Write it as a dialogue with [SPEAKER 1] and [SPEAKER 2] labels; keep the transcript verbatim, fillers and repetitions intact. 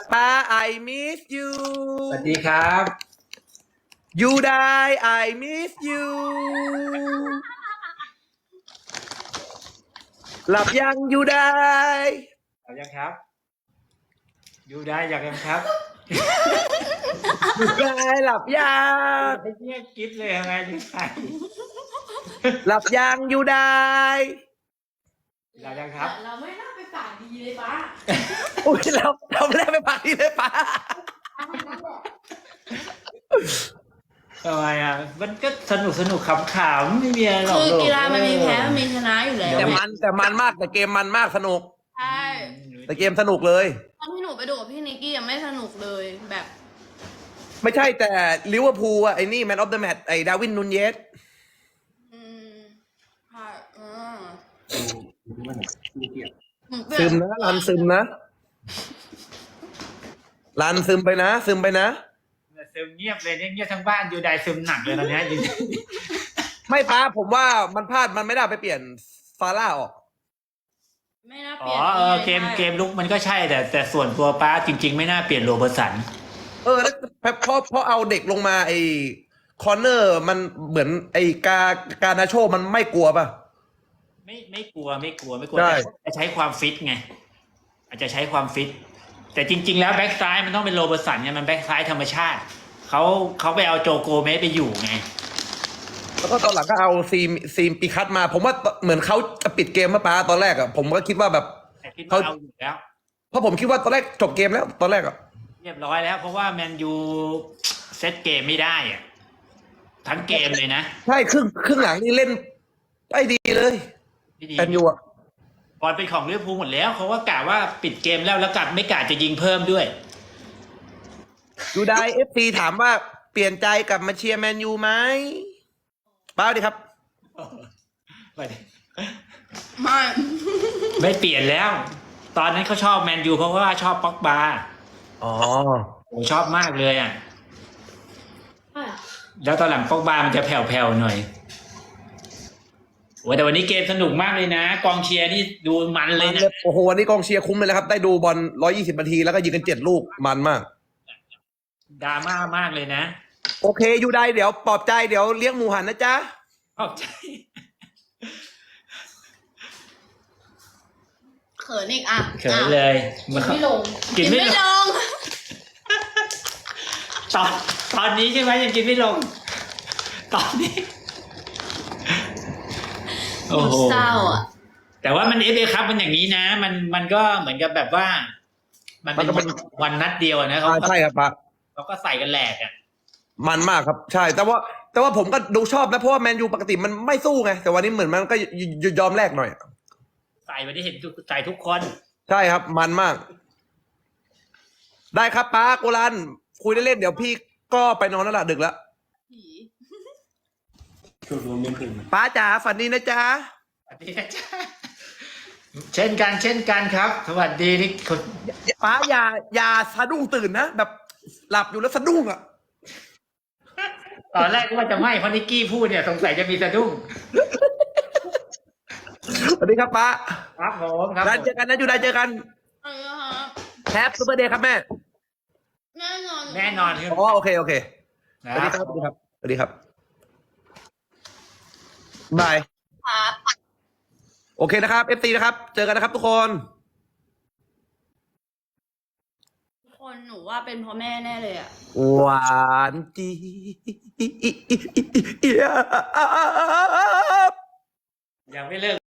[SPEAKER 1] ป้า I miss you
[SPEAKER 2] สวัสดีครับ
[SPEAKER 1] you die I miss you หลับยัง you die
[SPEAKER 2] หลับยังครับอยู่ได้อยากยังครับ
[SPEAKER 1] you die หลับยัง
[SPEAKER 2] ไอ้เนี่ยกิ๊บเลยยังไงนี่ใคร
[SPEAKER 1] หลับยัง you die
[SPEAKER 2] หลับยังครับ
[SPEAKER 3] เราไม่น่าไปปากดีเลยป้า
[SPEAKER 1] อุ้ยเราเราไม่ได้ไปปาร์ตี้เลยป้า
[SPEAKER 2] ทำไมอ่ะมันก็สนุกสนุกขำๆไม่มีอะไรหรอก
[SPEAKER 3] คือ
[SPEAKER 2] ลู
[SPEAKER 3] กีฬามันมีแพ้มันมีชนะอยู่แล้ว
[SPEAKER 1] แต่มันแต่มันมากแต่เกมมันมากสนุก
[SPEAKER 3] ใช่
[SPEAKER 1] แต่เกมสนุกเลย
[SPEAKER 3] ตอนที่หนูไปดูกับพี่นิกกี้ยังไม่สนุกเลยแบบ
[SPEAKER 1] ไม่ใช่แต่ลิเวอร์พูลอะไอ้นี่แมนออฟเดอะแมตช์ไอ้ดาร์วินนูนเยส
[SPEAKER 3] อืมค่ะอืม
[SPEAKER 1] ซึมนะรันซึมนะรันซึมไปนะ ซึมไปนะ
[SPEAKER 2] ซึมเงียบเลยเนี่ยเงียบทั้งบ้านอยู่ได้ซึมหนักเลยตอนเนี้ยจริง
[SPEAKER 1] ไม่ป้าผมว่ามันพลาดมันไม่ได้ไปเปลี่ยนฟาร่าออก
[SPEAKER 3] ไม่น่า
[SPEAKER 2] ๆ
[SPEAKER 3] เป
[SPEAKER 2] อ๋
[SPEAKER 3] ลี่
[SPEAKER 2] อย
[SPEAKER 3] น
[SPEAKER 2] เออเกมเกมลุกมันก็ใช่แต่แต่ส่วนตัวป้าจริง ๆ ไม่น่าเปลี่ยนโรเบอร์สัน
[SPEAKER 1] เออแล้วเพราะเพราะเอาเด็กลงมาไอ้คอร์เนอร์มันเหมือนไอ้กาการนาโชมันไม่กลัวป่ะ
[SPEAKER 2] ไม่ไม่กลัวไม่กลัวไม่กลัว
[SPEAKER 1] ใช่
[SPEAKER 2] แต่จะใช้ความฟิตไงอาจจะใช้ความฟิตแต่จริง ๆ แล้วแบ็กซ้ายมันต้องเป็นโรเบอร์สันไงมันแบ็กซ้ายธรรมชาติเขาเขาไปเอาโจโกเมสไปอยู่ไง
[SPEAKER 1] แล้วก็ตอนหลังก็เอาซีมซีมปีคัตมา ผมว่าเหมือนเขาจะปิดเกมมาป้าตอนแรกอะผมก็คิดว่าแบบ
[SPEAKER 2] แต่คิดว่าเอาอยู่แล้ว
[SPEAKER 1] เพราะผมคิดว่าตอนแรกจบเกมแล้วตอนแรกอะ
[SPEAKER 2] เรียบร้อยแล้ว เพราะว่าแมนยูเซตเกมไม่ได้อะทั้งเกมเลยนะ
[SPEAKER 1] ใช่ครึ่งครึ่งหลังนี่เล่นได้ดีเลย
[SPEAKER 2] พี่ดี
[SPEAKER 1] แอนยูอะ
[SPEAKER 2] บอลเป็นของลิเวอร์พูลหมดแล้วเขาว่ากะว่าปิดเกมแล้วแล้วกลับไม่กะจะยิงเพิ่มด้วย
[SPEAKER 1] ยูไดเอฟซีถามว่าเปลี่ยนใจกลับมาเชียร์แมนยูไหมป้าดีครับ
[SPEAKER 2] ไม่
[SPEAKER 3] ไม่
[SPEAKER 2] ไม่เปลี่ยนแล้ว ตอนนั้นเขาชอบแมนยูเพราะว่าชอบป็อกบา
[SPEAKER 1] อ๋อ
[SPEAKER 2] โอ้ชอบมากเลยอ่ะ แล้วตอนหลังป็อกบามันจะแผ่วๆหน่อยโอ้แต่วันนี้เกมสนุกมากเลยนะ กองเชียร์นี่ดูมันเลยนะ
[SPEAKER 1] โอ้โหวันนี้กองเชียร์คุ้มเลยนะครับ ได้ดูบอลร้อยยี่สิบนาทีแล้วก็ยิงกันเจ็ดลูกมันมาก
[SPEAKER 2] ดราม่ามากเลยนะ
[SPEAKER 1] โอเคยูไดเดี๋ยวปลอบใจเดี๋ยวเลี้ยงหมูหันนะจ๊ะ
[SPEAKER 2] ขอบใจ
[SPEAKER 3] เขินอีกอ่ะ
[SPEAKER 2] เขินเลย
[SPEAKER 3] กินไม่ลง
[SPEAKER 2] กินไม่ลง
[SPEAKER 3] ง
[SPEAKER 2] ตอนตอนนี้ใช่ไหมยังกินไม่ลง ตอนนี้
[SPEAKER 3] หนูเศร้าอ่ะ
[SPEAKER 2] แต่ว่ามันเอฟเอครับมันอย่างนี้นะ มันมันก็เหมือนกับแบบว่า มันเป็น
[SPEAKER 1] มันก็เป็น
[SPEAKER 2] วันนัดเดียวอะนะเขา
[SPEAKER 1] อ่า
[SPEAKER 2] ก็
[SPEAKER 1] ใช่ครับป้า
[SPEAKER 2] เขาก็ใส่กันแหลกอ่ะ
[SPEAKER 1] มันมากครับ ใช่ แต่ว่า แต่ว่าผมก็ดูชอบนะเพราะว่าแมนยูปกติมันไม่สู้ไงแต่วันนี้เหมือนมันก็ยยยอมแลกหน่อย
[SPEAKER 2] ใส่วันนี้เห็นทุกใส่ทุกคน
[SPEAKER 1] ใช่ครับ มันมาก ได้ครับป้าโกลันคุยเล่นๆเดี๋ยวพี่ก็ไปนอนแล้วล่ะดึกแล้ว
[SPEAKER 3] ผี
[SPEAKER 1] ป้าจ๋าฝันดีนะจ๊ะ
[SPEAKER 2] สวัสดีนะจ๊ะเช่นกันเช่นกันครับ สวัสดีนี่คน
[SPEAKER 1] ป้าอย่าอย่าสะดุ้งตื่นนะแบบหลับอยู่แล้วสะดุ้งอ่ะ
[SPEAKER 2] ตอนแรกก็ว่าจะไม่เพราะนิกกี้พูดเนี่ยสงสัยจะมีสะดุ้ง
[SPEAKER 1] สวัสดีครับป้า
[SPEAKER 2] ครับผมครับ
[SPEAKER 1] ได้เจอกันนะอยู่ได้เจอกัน
[SPEAKER 3] เอาละฮะ
[SPEAKER 1] แฮปปี้เบอร์เดย์ครับแม่
[SPEAKER 3] แน่นอน
[SPEAKER 2] แน่นอนครับ
[SPEAKER 1] อ๋อโอเคโอเคส
[SPEAKER 2] นะ
[SPEAKER 1] วัสดีครับสวัสดีครับสวัสดีครับบาย
[SPEAKER 3] ครับ
[SPEAKER 1] โอเคนะครับเอฟซีนะครับ เจอกันนะครับทุกคน
[SPEAKER 3] ทุกคนหนูว่าเป็นเพราะแม่แน่เลยอ่ะ
[SPEAKER 1] หวานจีบ
[SPEAKER 2] ยังไม่เลิก